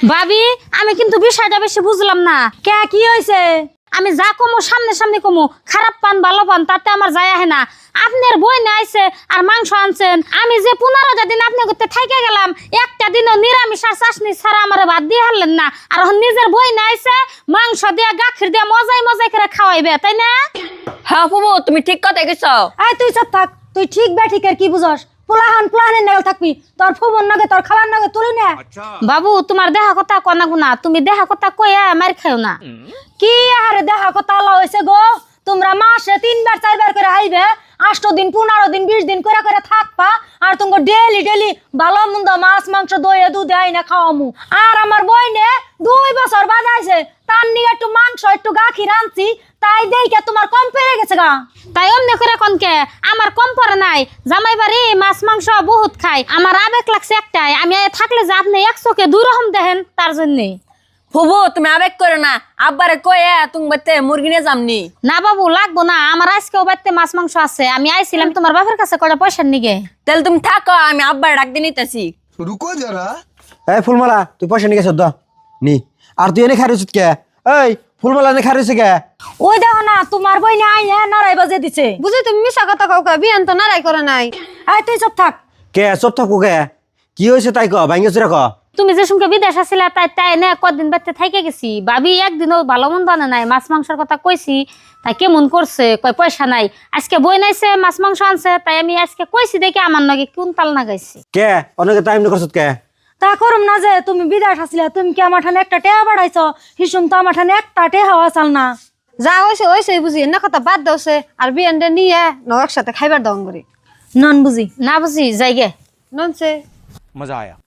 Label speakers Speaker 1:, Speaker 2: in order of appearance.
Speaker 1: ভাবি আমি কিন্তু বিষয়টা বেশি বুঝলাম না।
Speaker 2: কে কি হয়েছে?
Speaker 1: আমি যা কমো সামনে সামনে কমো, খারাপ পান ভালো পান তাতে আমার যায় আহে না। আপনার বই না আইছে আর মাংস আনছেন, আমি যে 15টা দিন আপনি করতে থাইকে গেলাম, একটা দিনও নিরামিষ আর চাষনি ছাড়া আমার ভাত দিয়ে হারলেন না। আর এখন নিজের বই না আইছে, মাংস দিয়ে গাখির দিয়ে মজাই মজাই করে খাওয়াইবে, তাই না?
Speaker 3: হ্যাঁ ফুবু তুমি ঠিক কথাই কইছো।
Speaker 2: আয় তুই চুপ থাক, তুই ঠিক বেঠিকের কি বুঝস? প্লাহানের নাগাল থাকবি, তোর ফুবন নাগে তোর খালার নাগে তুলি না।
Speaker 1: বাবু তোমার দেহা কথা কনা গুনা, তুমি দেহা কথা কইয়া মার খাও না।
Speaker 2: কি আরে দেখা কথা আল্লাহ হয়েছে গো, তোমরা মাসে 3বার 4বার করে আইবে, 8 দিন 15 দিন 20 দিন করে করে থাকবা, আর তোমাকে ডেলি ডেলি ভালো মন্দ মাছ মাংস দই দুধ আই না খাওয়ামু। আর আমার বইনে 2 বছর বাজাইছে, তার নিয়ে একটু মাংস একটু গাখির আনছি, তাই দেখে তোমার কম পেরে গেছে গা।
Speaker 1: তাই অমনি করে কনকে আমার কম পড়ে নাই। জামাই বাড়ি মাছ মাংস বহুত খাই, আমার আবেগ লাগছে একটাই, আমি থাকলে যে আপনি 1 চোখে 2 রকম দেখেন তার জন্যে।
Speaker 3: ফুবু তুমি আবেগ করো না, আব্বারে কয়ে তুমি বাড়িতে মুরগি নিয়ে যামনি।
Speaker 1: না বাবু লাগবো না, আমার আজকেও বাড়িতে মাছ মাংস আছে, আমি আইছিলাম তোমার বাপের কাছে কটা পয়সার নিগে।
Speaker 3: তাহলে তুমি থাকো, আমি আব্বার ডাক দিয়ে নিতেছি।
Speaker 4: रुको जरा।
Speaker 5: এই ফুলমালা তুই পয়সা নিয়ে গেছ নি। আর তুই এনে খাই রয়েছিস কে? এই ফুলমালা এনে খাই রয়েছে কে?
Speaker 2: ওই দেখো না তোমার বইনে আই নারাই বাজে দিছে।
Speaker 6: বুঝি তুমি মিশা কথা কাউকে বিয়ান তো নারাই করে নাই।
Speaker 2: আয় তুই চুপ থাক।
Speaker 5: কে চোপ থাকো কে? কি হয়েছে তাই ক, ভাঙ্গে চুরা ক।
Speaker 1: তুমি যে সঙ্গে বিদেশ আসিলা তাই তাই না কদিন বাড়িতে থাইকে গেছি, ভাবি একদিনও ভালো মন্দ আনে নাই, মাছ মাংসের কথা কইছি, তাই কেমন করছে কয় পয়সা নাই। আজকে বই নাইছে মাছ মাংস আনছে, তাই আমি আজকে কইছি দেখে আমার নগে কোন তাল না গাইছি।
Speaker 5: কে অনেকে টাইম করছ কে?
Speaker 2: তা করুম না যে তুমি বিদেশ আসিলা, তুমি কি আমার ঠানে একটা টেহা বাড়াইছ? হিসুম তো আমার ঠানে একটা টেহা আসাল না।
Speaker 6: যা হয়েছে হয়েছে বুঝি, এনে কথা বাদ দেওছে আর বিয়ানটা নিয়ে ন একসাথে খাইবার দং করি।
Speaker 2: নন বুঝি
Speaker 1: না বুঝি যাইগে
Speaker 6: ননছে।
Speaker 4: मजा आया।